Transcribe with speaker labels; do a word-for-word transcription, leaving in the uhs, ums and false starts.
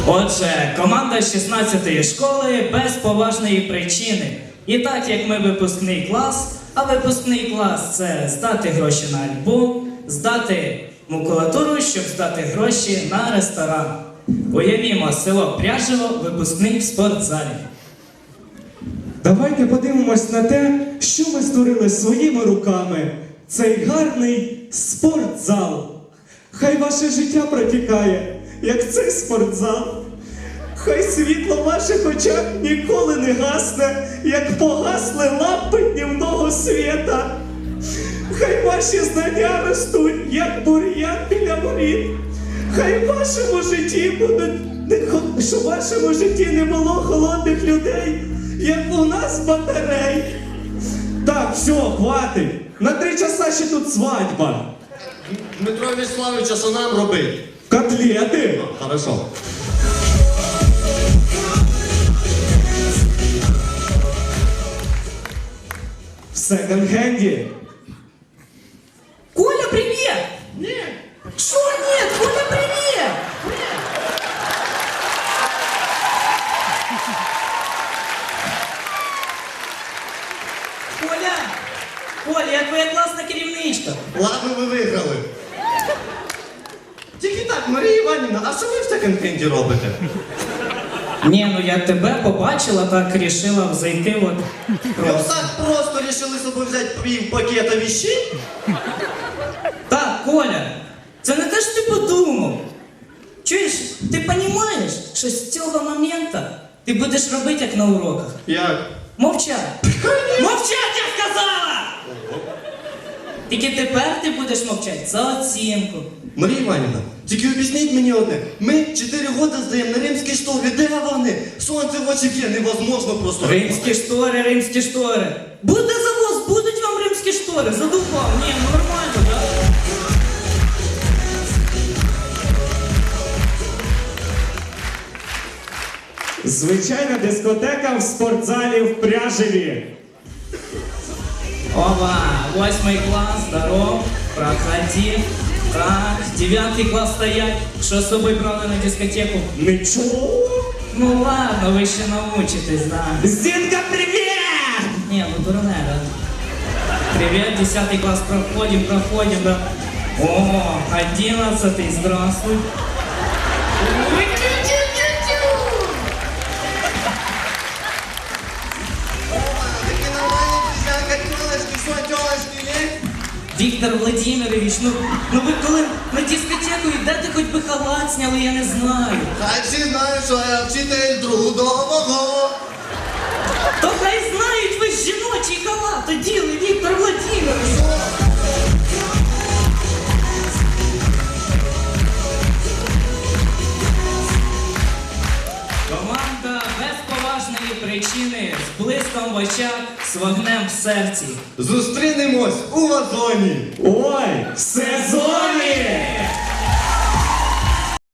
Speaker 1: Отже, команда шістнадцятої школи без поважної причини. І так як ми випускний клас, а випускний клас – це здати гроші на альбом, здати макулатуру, щоб здати гроші на ресторан. Уявімо, село Пряжево, випускний в спортзалі.
Speaker 2: Давайте подивимось на те, що ми створили своїми руками. Цей гарний спортзал. Хай ваше життя протікає, як цей спортзал. Хай світло в ваших очах ніколи не гасне, як погасли лампи днівного світа. Хай ваші знання ростуть, як бур'ян біля воріт. Хай в вашому житті будуть, не хо- що в вашому житті не було холодних людей, як у нас батарей. Так, все, хватить. На три часа ще тут свадьба.
Speaker 3: Дмитро Вячеславович, а що нам робить?
Speaker 2: Котлети.
Speaker 3: Хорошо.
Speaker 2: В секонд-хенді.
Speaker 1: Коля, привіт! Ні. Що ні? Коля, привіт! Коля! Коля, я твоя класна керівничка.
Speaker 3: Ладно, ви виграли. Тільки так, Марія Іванівна, а що ви в секонд-хенді робите?
Speaker 1: Ні, ну я тебе побачила, так рішила зайти от.
Speaker 3: Ви так просто рішили собі взяти пів пакета вещей?
Speaker 1: Так, Коля, це не те, що ти подумав. Чуєш, ти розумієш, що з цього моменту ти будеш робити, як на уроках.
Speaker 3: Як?
Speaker 1: Мовчать. Мовчать, я сказала! Тільки тепер ти будеш мовчати за оцінку.
Speaker 3: Марія Іванівна, тільки об'ясніть мені одне. Ми чотири роки здаємо на римські штори. Де вони? Сонце в очі є, невозможно просто.
Speaker 1: Римські штори, римські штори. Буде завоз, будуть вам римські штори. Задумав. Ні, ну нормально, так?
Speaker 2: Звичайна дискотека в спортзалі в Пряжеві.
Speaker 1: Опа, восьмий клас, здоров, проходи. Так, дев'ятий клас стоять. Що з собою брали на дискотеку?
Speaker 2: Нічого.
Speaker 1: Ну ладно, ви ще научитесь, да.
Speaker 2: Зінка, привіт!
Speaker 1: Не, ну дурне, да. Привет, десятый класс, проходим, проходим, да. О, одиннадцатый, здравствуй.
Speaker 3: Такі нормальні пізняка, тілочки, що, тілочки є?
Speaker 1: Віктор Владимирович, ну, ну ви коли на дискотеку йдете, хоч би халат зняли, я не знаю.
Speaker 3: Хай всі знають, що я вчитель трудового.
Speaker 1: То хай знають, ви ж жіночий халат оділи, Віктор Владимирович. Команда без поважної причини, з блиском в очах, з вогнем в серці.
Speaker 3: Зустрінемось у вазоні.
Speaker 2: Ой, в сезоні!